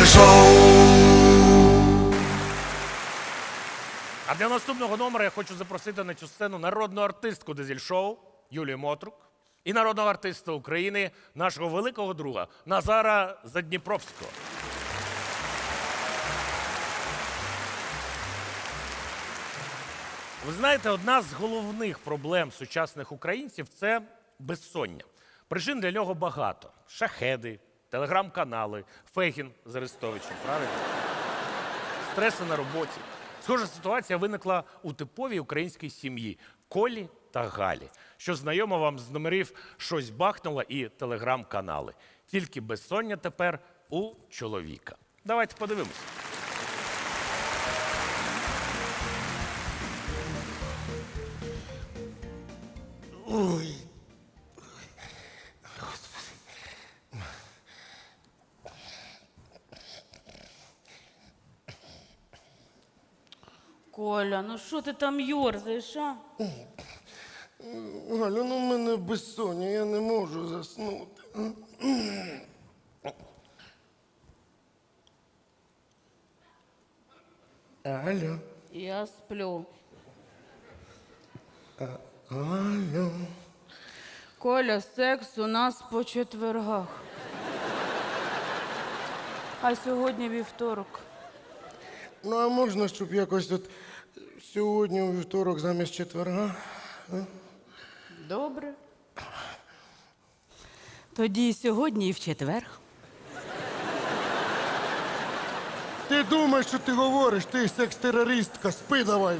А для наступного номера я хочу запросити на цю сцену народну артистку Дизель-шоу Юлію Мотрук і народного артиста України, нашого великого друга Назара Задніпровського. Ви знаєте, одна з головних проблем сучасних українців – це безсоння. Причин для нього багато. Шахеди, телеграм-канали, Фегін з Арестовичем, правильно? Стреси на роботі. Схожа ситуація виникла у типовій українській сім'ї – Колі та Галі, що знайомо вам з номерів «Щось бахнуло» і телеграм-канали. Тільки безсоння тепер у чоловіка. Давайте подивимось. Ой. Коля, ну що ти там йорзаєш, а? Галю, ну в мене безсоння, я не можу заснути. Алло. Я сплю. Алло. Коля, секс у нас по четвергах. А сьогодні вівторок. Ну, а можна, щоб якось от сьогодні у вівторок замість четверга? Добре. Тоді і сьогодні, і в четвер. Ти думаєш, що ти говориш, ти секс-терористка, спи давай.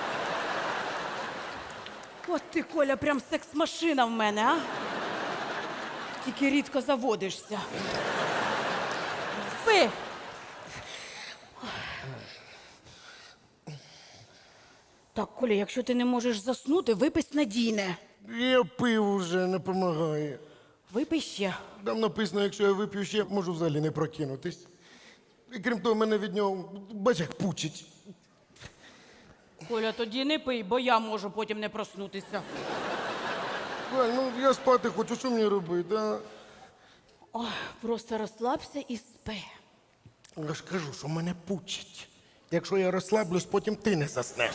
От ти, Коля, прям секс-машина в мене, а? Тільки рідко заводишся. Спи! Так, Коля, якщо ти не можеш заснути, випий снадійне. Я пив уже, не допомагає. Випий ще. Там написано, якщо я вип'ю ще, можу взагалі не прокинутись. І крім того, мене від нього, бач, як пучить. Коля, тоді не пий, бо я можу потім не проснутися. Галь, ну я спати хочу, що мені робити, а? Ой, просто розслабся і спи. Я ж кажу, що мене пучить. Якщо я розслаблюсь, потім ти не заснеш.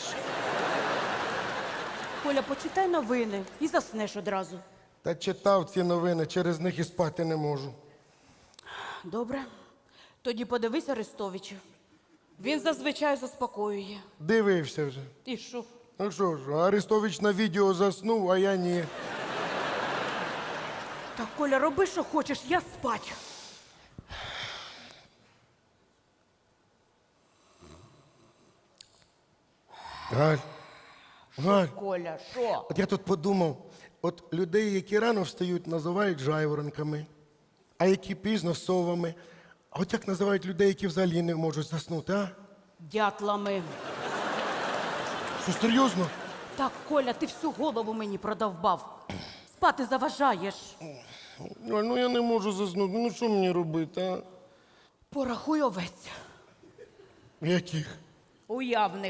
Коля, почитай новини і заснеш одразу. Та читав ці новини, через них і спати не можу. Добре. Тоді подивись Арестовича. Він зазвичай заспокоює. Дивився вже. І що? Ну що ж, Арестович на відео заснув, а я ні. Так, Коля, роби, що хочеш, я спать. Галь, Галь, Коля, що? от я тут подумав, от людей, які рано встають, називають жайворонками, а які пізно совами. А от як називають людей, які взагалі не можуть заснути, а? Дятлами. Що, серйозно? Так, Коля, ти всю голову мені продовбав. Спати заважаєш. Галь, ну я не можу заснути, ну що мені робити, а? Порахуй овець. Яких? Уявних.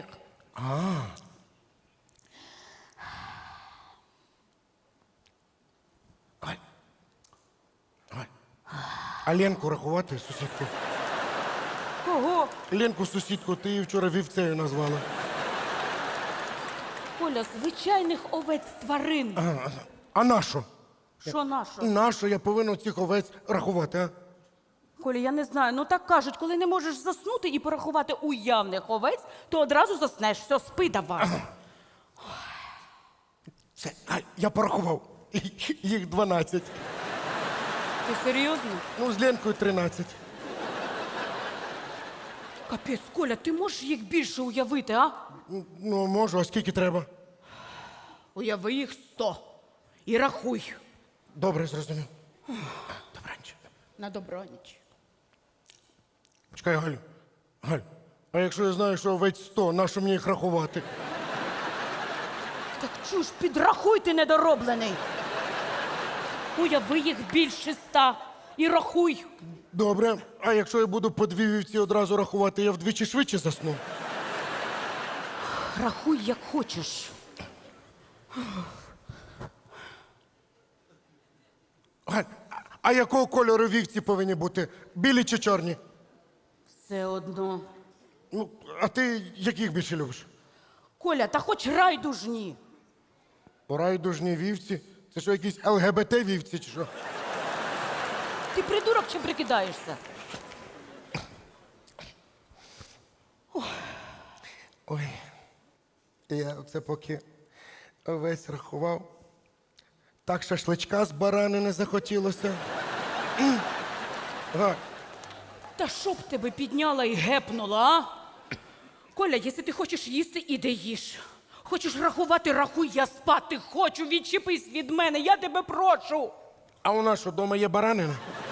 Галь. Галь. А Ленку рахувати, сусідку? Кого? Ленку, сусідку, ти її вчора вівцею назвала. Коля, звичайних овець тварин. А нащо? Що нащо? Нащо я повинен цих овець рахувати, а? Коля, я не знаю, ну так кажуть, коли не можеш заснути і порахувати уявних овець, то одразу заснеш. Все, спи давай. Все, Галь, я порахував. Їх 12. Ти серйозно? Ну, з Ленкою 13. Капець, Коля, ти можеш їх більше уявити, а? Ну, можу, а скільки треба? Уяви їх 100. І рахуй. Добре, зрозумів. Добраніч. На добраніч. Чекай, Галю. Галь, а якщо я знаю, що овець 100, нащо мені їх рахувати? Так чуж, підрахуй, ти недороблений. Уяви їх більше 100 і рахуй. Добре, а якщо я буду по 2 вівці одразу рахувати, я вдвічі швидше засну? Рахуй, як хочеш. Галь, а якого кольору вівці повинні бути? Білі чи чорні? Все одно. Ну, а ти яких більше любиш? Коля, та хоч райдужні. Райдужні вівці? Це що, якісь ЛГБТ-вівці чи що? Ти придурок чи прикидаєшся? Ой, я оце поки весь рахував. Так шашличка з баранини захотілося. Галь, Та щоб тебе підняла і гепнула, а? Коля, якщо ти хочеш їсти, іди їж. Хочеш рахувати, рахуй, я спати хочу, відчепись від мене, я тебе прошу. а у нас що, вдома є баранина?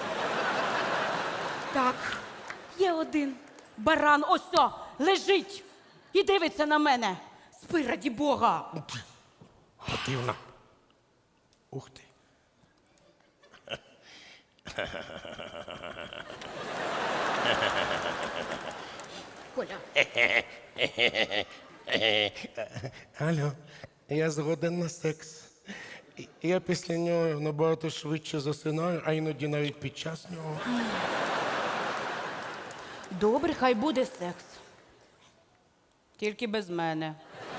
Так, є один баран, ось, лежить і дивиться на мене. Спи, раді Бога. Противно. Ух ти. Коля, Алло, я згоден на секс. Я після нього набагато швидше засинаю, а іноді навіть під час нього. добре, хай буде секс. Тільки без мене.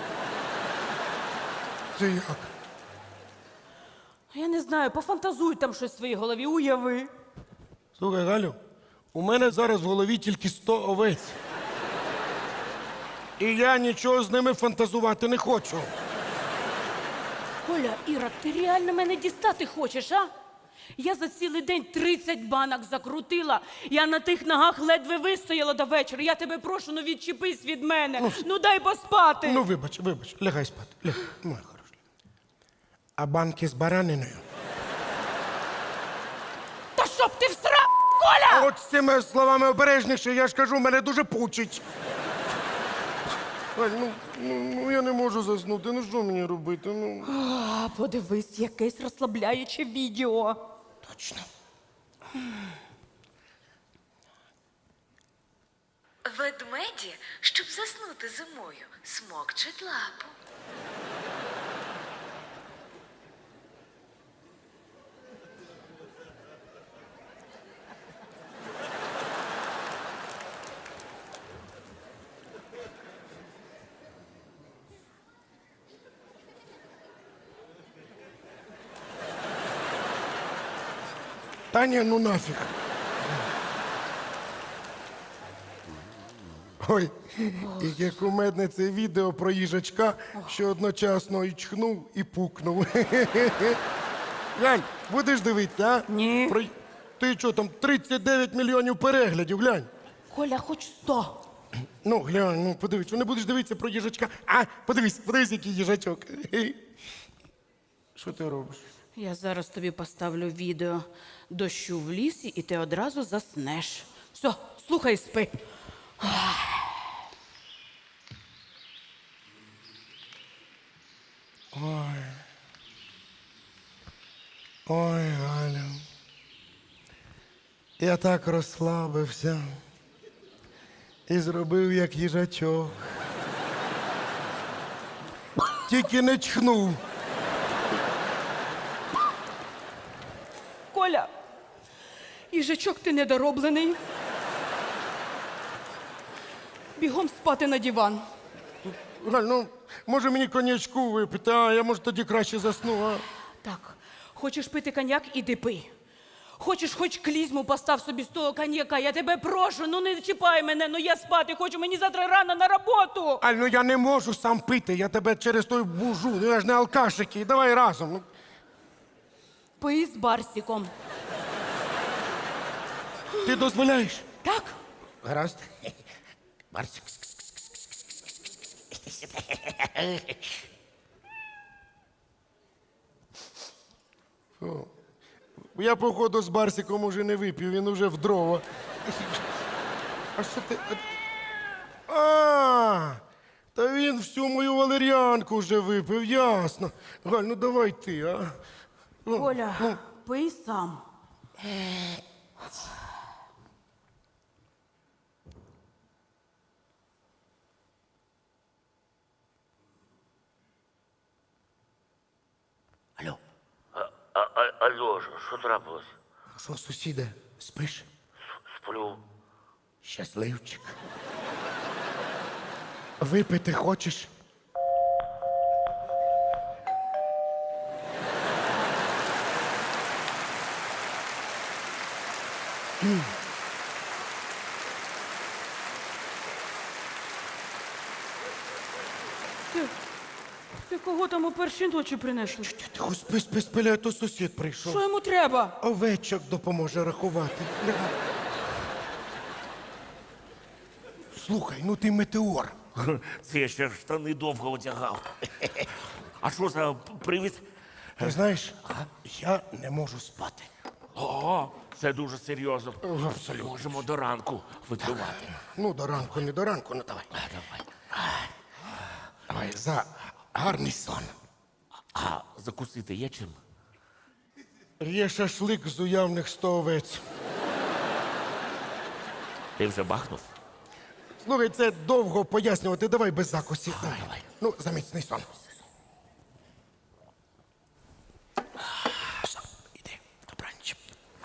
Це як? Я не знаю, пофантазуй там щось в своїй голові, уяви. Слухай, Галю, у мене зараз в голові тільки 100 овець. І я нічого з ними фантазувати не хочу. Коля, Іра, ти реально мене дістати хочеш, а? Я за цілий день 30 банок закрутила. Я на тих ногах ледве вистояла до вечора. Я тебе прошу, ну відчепись від мене. Ну дай поспати. Ну, вибач, лягай спати. Лягай, моя хороша. А банки з бараниною? Та щоб ти всрав, Коля! От з цими словами обережніше, я ж кажу, мене дуже пучить. Галь, ну я не можу заснути, ну що мені робити? Ну. А, подивись, якесь розслабляюче відео. Точно. Ведмеді, щоб заснути зимою, смокчуть лапу. Таня, ну нафіг. Ой, і як кумедне це відео про їжачка, що одночасно і чхнув, і пукнув. Глянь, будеш дивитися, а? Ні. Ти що, там 39 мільйонів переглядів, глянь. Коля, хоч 100. Ну, глянь, ну подивись, що не будеш дивитися про їжачка. А, подивись, який їжачок. Що ти робиш? Я зараз тобі поставлю відео дощу в лісі, і ти одразу заснеш. Все, слухай, і спи. Ой, Галя. Я так розслабився і зробив, як їжачок. Тільки не чхнув. Коля, їжачок ти недороблений. Бігом спати на диван. Галь, ну, може мені коньячку випити, а я, може, тоді краще засну, а? Так, хочеш пити коньяк, іди пий. Хочеш, хоч клізму постав собі з того коньяка. Я тебе прошу, ну не чіпай мене, ну я спати хочу, мені завтра рано на роботу. Аль, ну я не можу сам пити, я тебе через той бужу, ну я ж не алкаш який, давай разом. Ну. Пий з Барсіком. Ти дозволяєш? Так? Гаразд. Барсик. Фу. Я, походу, з Барсиком уже не випів, він уже в дрова. А що ти. А, та він всю мою валеріанку вже випив, ясно. Галь, ну давай ти, а. Ну, Коля, пий сам. Алло. Алло, що трапилось? Що, сусіде, спиш? Сплю. Щасливчик. Випити хочеш? Ти кого там у першій ночі принесли? Тихо, спи, спи, спи, а то сусід прийшов. Що йому треба? Овечок допоможе рахувати. Слухай, ну ти метеор. Це я ще штани довго одягав. А що за привід? Ти знаєш, я не можу спати. О, це дуже серйозно. Абсолютно. Можемо до ранку випивати. Ну, до ранку, не до ранку, ну давай. Давай. Давай, за гарний сон. А закусити є чим? Є шашлик з уявних 100 овець. Ти вже бахнув? Слухай, це довго пояснювати, давай без закусів. Давай. Ну, за міцний сон. Все, іди, добраніч.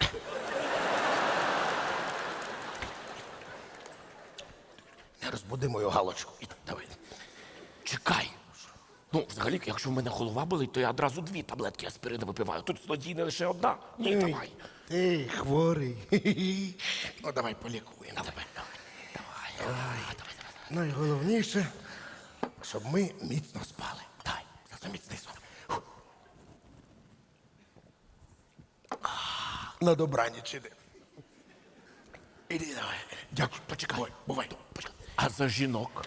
Не розбуди мою галочку. Іди, давай. Чекай. Ну, взагалі, якщо в мене голова болить, то я одразу 2 таблетки аспірину випиваю. Тут злодійна лише одна. Ні, давай. Ти хворий. Хі-хі. Ну, давай полікуємо тебе. Давай. Найголовніше, щоб ми міцно спали. Давай, за міцний сон. Фу. На добраніч іди. Іди, давай. Дякую, почекай. Бувай. Почекай. А за жінок?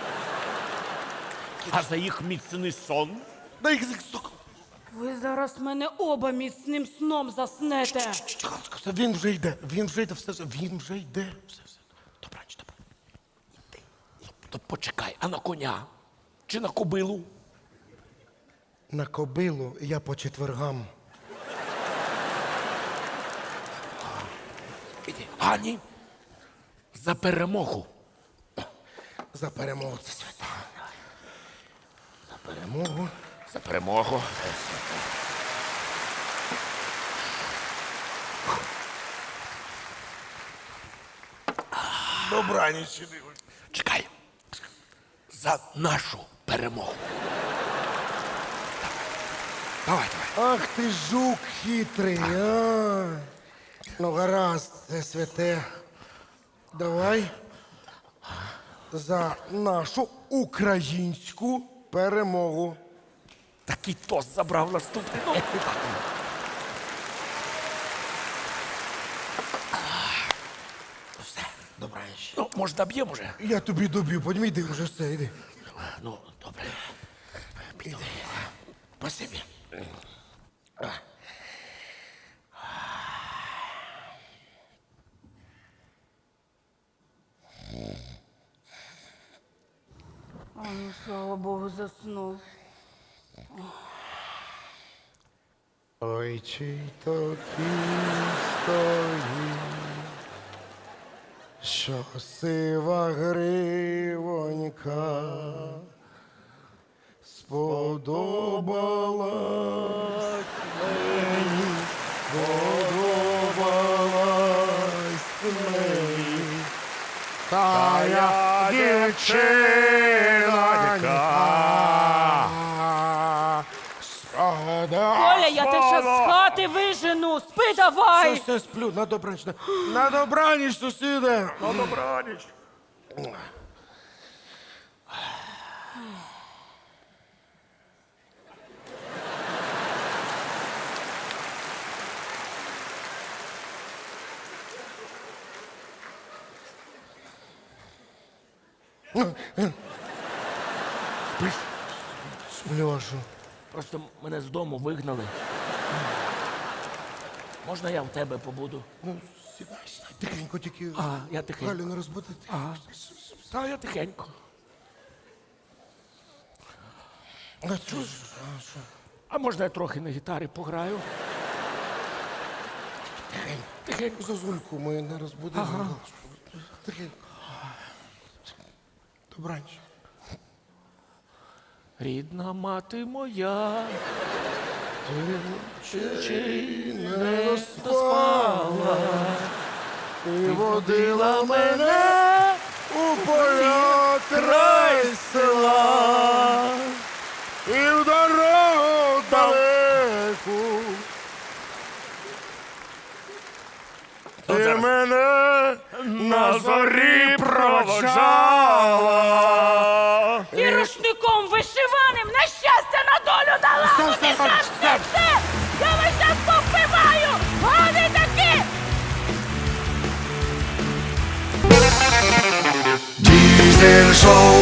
А за їх міцний сон? Дай їх сука. Ви зараз мене оба міцним сном заснете. Галочка, все, він вже йде, він вже йде, він вже йде. Все. Добраніч, добре. То почекай, а на коня? Чи на кобилу? На кобилу я по четвергам. Ані, за перемогу. За перемогу це свята. За перемогу. За перемогу. Добраніч іди. Чекай. За нашу перемогу. Давай. Ах ти жук хитрий, а. Ну, гаразд, це святе. Давай за нашу українську перемогу. Такий тост забрав наступний. Ну, Все, добраніч. ну, може, доб'ємо вже? Я тобі доб'ю, подімай, йди вже все, йди. Ну, добре. Іди. Спасибі. А ну, слава Богу, заснув. Ой, чий то кінь стоїть, що сива гривонька сподобалась мені, сподобалась мені, та я дівчинонька. Коля, я тебе ще з хати вижену. Спи давай. Все, сплю, на добраніч. На добраніч, сусіде. На добраніч. Сплюшу. Просто мене з дому вигнали. Можна я в тебе побуду? Ну, сідай, сідай. Тихенько тільки. Я тихенько. Галю не розбудити. Та я тихенько. А що? А можна я трохи на гітарі пограю? Тихенько. Зозульку ми не розбудимо. Тихенько. Добраніч. Рідна мати моя, Чи не розпала І водила мене у поля край села. І в дорогу далеку. Ти мене на зорі проводжала. І рушником вишиваним на щастя на долю дала! Все. Все! Я вас щас повбиваю! Вони такі! Diesel Show.